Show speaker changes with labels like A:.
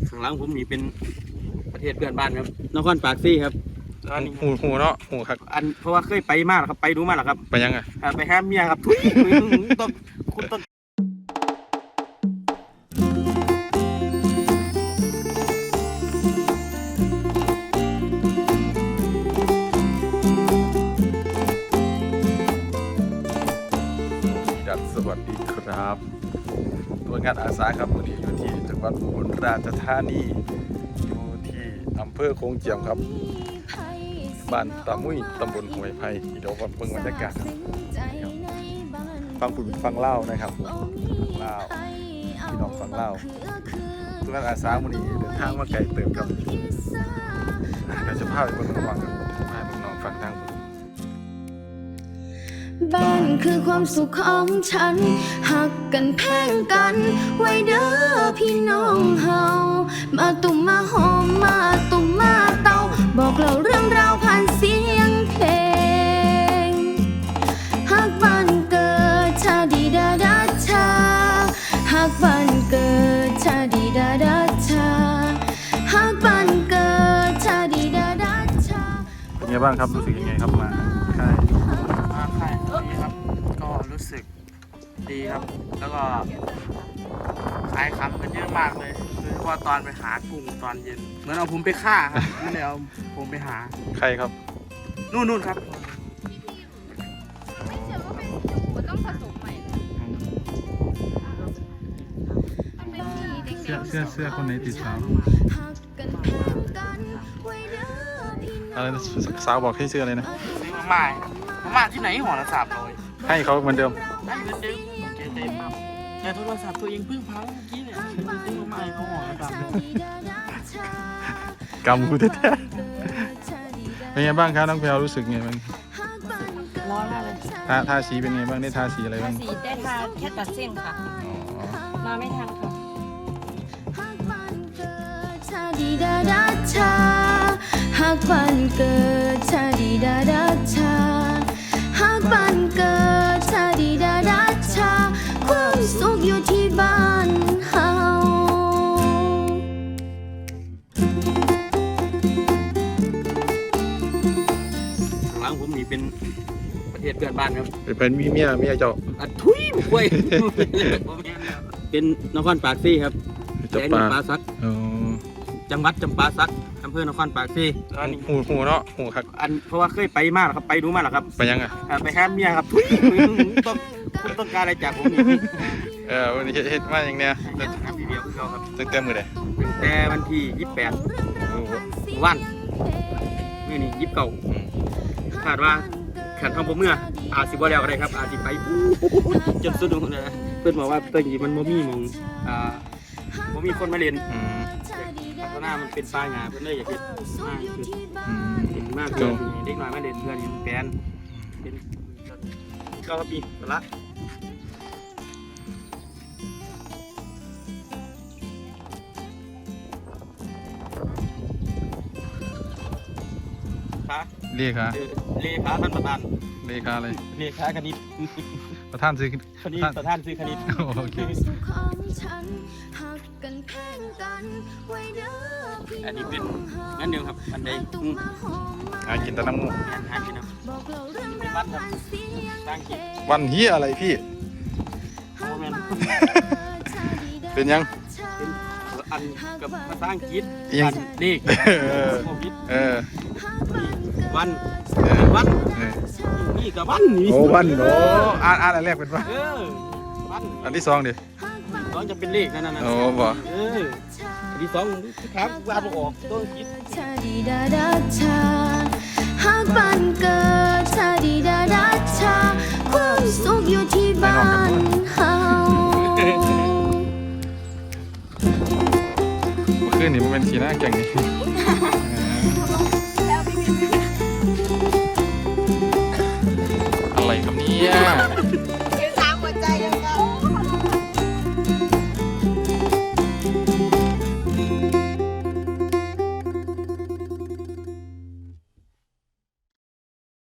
A: ข้างหลังผมนี่เป็นประเทศเพื่อนบ้านครับนครปากซี่ครับ
B: หูเนาะหูครับ
A: อันเพราะว่าเคยไปมาแล้วครับไปดูมาแล้วครับ
B: ไปยังไง
A: ไปหาเมียครับทุยต้องคุณต้อง
B: สวัสดีครับตัวงานอาสาครับวันนี้อยู่ที่จังหวัดอุบลราชธานีอยู่ที่อำเภอโขงเจียมครับบ้านตามุ้ยตำบลห้วยไผ่เดี๋ยวเบิ่งบรรยากาศฟังผู้ฟังเล่านะครับเล่าพี่น้องฟังเล่าตัวงานอาสาวันนี้เดินทางมาไกลเติบครับเราจะพาไปเบิ่งระหว่างพาไปน้องฟังทาง
C: บ้านคือความสุขของฉันหักกันแพงกันไว้เด้อพี่น้องเฮามาตุ่มมาหอมมาตุ่มมาเตาบอกเล่าเรื่องราวผ่านเสียงเพลงหักบ้านเกิดชาดีดาดาชาหักบ้านเกิดชาดีดาดาชาหักบ้านเกิดชาดีดาดาชา
B: เป็นไงบ้างครับรู้สึกยังไงครับมาค่าย
A: ดีครับก็รู้สึกดีครับแล้วก็ขายคำกันเยอะมากเลยโดยเฉพาะตอนไปหากุ้งตอนเย็นเหมือนเอาผมไปฆ่าครับไม่ได้เอาผมไปหา
B: ใครครับ
A: นู่นครับ
B: เสื้อคนไหนติดสาวอะไรสาวบอกให้เสื้ออะไรนะ
A: ซื้อมาที่ไหนห่อละ300
B: ให้เขาเหมือนเดิม
A: ให้เหมือนเดิมเกเต็มครับแต่โทรศัพท์ตัวเองเพิ่งพังเมื่อกี้เนี่ยซื้อมาเขาห่อละ300
B: กำกูแท้ๆเป็นไงบ้างครับน้องแพลวรู้สึกไงบ้าง
D: ร้อนมากเลย
B: ทาสีเป็นไงบ้างได้ทาสีอะไรบ้าง
D: สีได้ทาแค่ตัดเส้นค่ะมาไม่ทันค่ะ
C: หักบ้านเกิดชาดีดาดาชาหักบ้านเกิดชาดีดาดาชาความสุขอยู่ที่บ้านเฮา
A: ข้างหลังผมนี่เป็นประเทศเพื่อนบ้านครับ
B: เป็นเมียเจ้า
A: ทุยป่วยเป็นนครปากซี่ครับ
B: จำปา
A: สักจังหวัดจำปาสักอำเภอนครปากซี่
B: หูเนาะหูครับ
A: อันเพราะว่าเคยไปมาแล้วครับไปดูมาแล้วครับ
B: ไปยังไง
A: ไปหาเมียครับทุยต้องคุณต้องการอะไรจากผม
B: วันนี้เฮ็ดมาอย่างเนี้ย
A: ครับพี่เดียวคือเขาครับ
B: ตั้งแต่มื้อใด
A: ตั้งแต่วันที่28วันมื้อนี้29คาดว่าขันทำผมเมื่ออาจสิบ่แล้วก็ได้ครับอาจสิไปจนสุดนะเพื่อนบอกว่าตอนนี้มันบ่มีมองบ่มีคนมาเรียนเพราะหน้ามันเป็นปลาหงาเพื่อนเลยอยากเห็นมากคือเห็นมากเลยเด็กน้อยมาเรียนเพื่อนยังแปลนเป็นก็ปีละ
B: เลขา
A: ท่านประธาน
B: เลขาอะไร
A: เลขาคณิต
B: ประธานซื้อ
A: คณิตประธานซื้อคณิต
B: โอเค
A: อันนี้เป็นงั้นเดียวครับอันใด
B: กินแต่น้ำมูก
A: กินน้ำเป็นวันครับสร้างกิน
B: วันเฮียอะไรพี่เป็นยัง
A: อันกับภาษาอังกฤษ
B: ยัง
A: เลขวันนี่กับวันนี่
B: โอ้วันโอ้อ่านอันแรกเป็นวันอันที่2ดิ
A: น้องจะเป็นเลขนั่น
B: โอ้บ่
A: อันที่2ครับวาดออกตัวคิด
C: ชาดีดาดาชาหักบ้านเกิดชาดีดาดาชาความสุขอยู่ที่บ้านเฮา
B: เมื่อคืนนี่มันเป็นสีหน้าแก่งนี่อะไรครับเนี่ย